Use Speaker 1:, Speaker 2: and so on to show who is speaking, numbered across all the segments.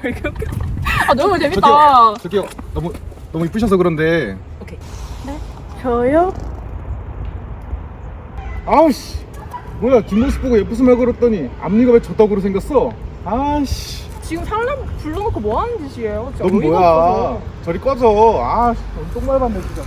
Speaker 1: 왜 이렇게 웃겨? 아 너무 재밌다.
Speaker 2: 저기요 너무 이쁘셔서 그런데.
Speaker 1: 오케이.
Speaker 3: 네? 저요?
Speaker 2: 아우씨 뭐야 뒷모습 보고 예쁘스 말 걸었더니 앞니가 왜 저떡으로 생겼어? 아씨
Speaker 1: 지금 사람 불러놓고 뭐 하는 짓이에요? 진짜
Speaker 2: 넌
Speaker 1: 어이가
Speaker 2: 뭐야
Speaker 1: 없어서.
Speaker 2: 저리 꺼져. 아 똥말 봤네 진짜.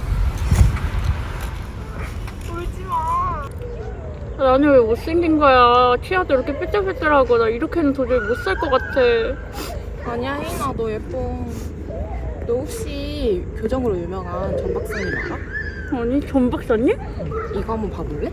Speaker 3: 나는 왜 못생긴 거야? 치아도 이렇게 삐뚤삐뚤하고 나 이렇게는 도저히 못 살 것 같아.
Speaker 1: 아니야 혜인아 너 예뻐. 너 혹시 교정으로 유명한 전 박사님 알아?
Speaker 3: 아니 전 박사님?
Speaker 1: 이거 한번 봐볼래?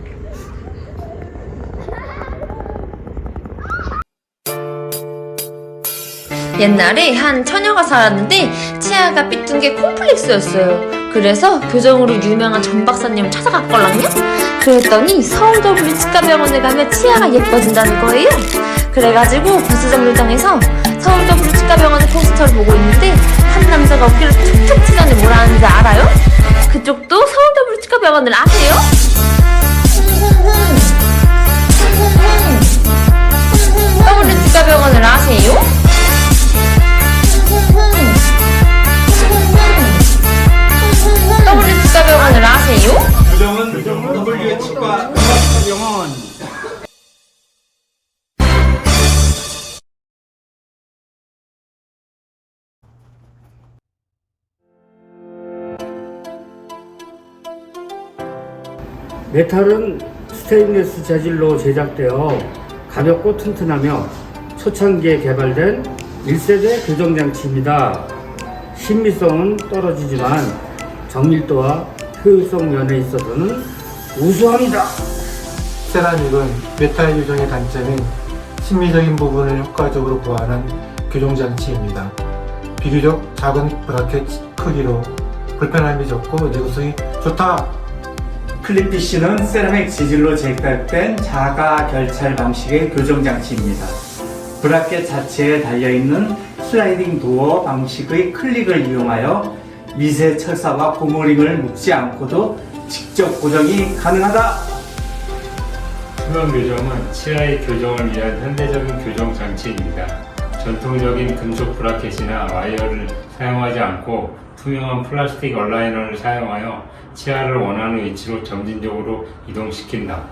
Speaker 4: 옛날에 한 처녀가 살았는데 치아가 삐뚤은 게 콤플렉스였어요. 그래서 교정으로 유명한 전 박사님을 찾아갔걸랑요? 그랬더니 서울 W 치과병원에 가면 치아가 예뻐진다는 거예요. 그래가지고 버스 정류장에서 서울 W 치과병원의 포스터를 보고 있는데 한 남자가 어깨를 툭툭 치더니 뭐라 하는지 알아요? 그쪽도 서울 W 치과병원을 아세요? W 치과병원을 아세요? W 치과병원을 아세요?
Speaker 5: 교정은 W 치과병원.
Speaker 6: 메탈은 스테인리스 재질로 제작되어 가볍고 튼튼하며 초창기에 개발된 1세대 교정장치입니다. 신미성은 떨어지지만 정밀도와 효율성 면에 있어서는 우수합니다.
Speaker 7: 세라믹은 메탈 교정의 단점인 심미적인 부분을 효과적으로 보완한 교정장치입니다. 비교적 작은 브라켓 크기로 불편함이 적고 내구성이 좋다!
Speaker 5: 클립피쉬는 세라믹 재질로 제작된 자가 결찰 방식의 교정장치입니다. 브라켓 자체에 달려있는 슬라이딩 도어 방식의 클릭을 이용하여 미세 철사와 고무링을 묶지 않고도 직접 고정이 가능하다.
Speaker 8: 투명 교정은 치아의 교정을 위한 현대적인 교정 장치입니다. 전통적인 금속 브라켓이나 와이어를 사용하지 않고 투명한 플라스틱 얼라이너를 사용하여 치아를 원하는 위치로 점진적으로 이동시킨다.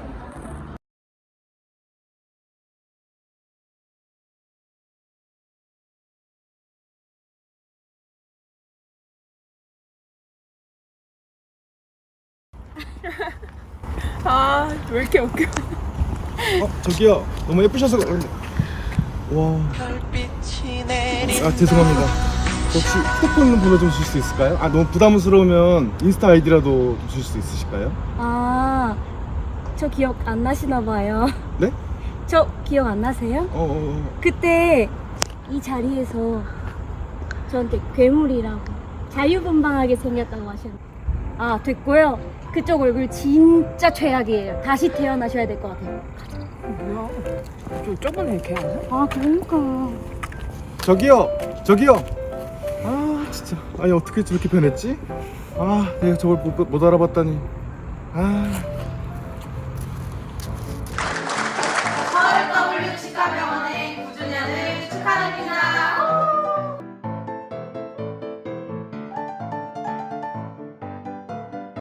Speaker 1: 아 왜 이렇게 웃겨?
Speaker 2: 저기요 너무 예쁘셔서 그런데. 와. 아 죄송합니다. 혹시 휴대폰 번호 좀 줄 수 있을까요? 아 너무 부담스러우면 인스타 아이디라도 줄 수 있으실까요?
Speaker 3: 아, 저 기억 안 나시나 봐요.
Speaker 2: 네?
Speaker 3: 저 기억 안 나세요? 그때 이 자리에서 저한테 괴물이라고 자유분방하게 생겼다고 하셨는데 아 됐고요. 그쪽 얼굴 진짜 최악이에요. 다시 태어나셔야 될 것 같아요.
Speaker 1: 뭐야? 저 저번에 걔 아니야?
Speaker 3: 아 그러니까.
Speaker 2: 저기요 아 진짜 아니 어떻게 저렇게 변했지? 아 내가 저걸 못 알아봤다니. 아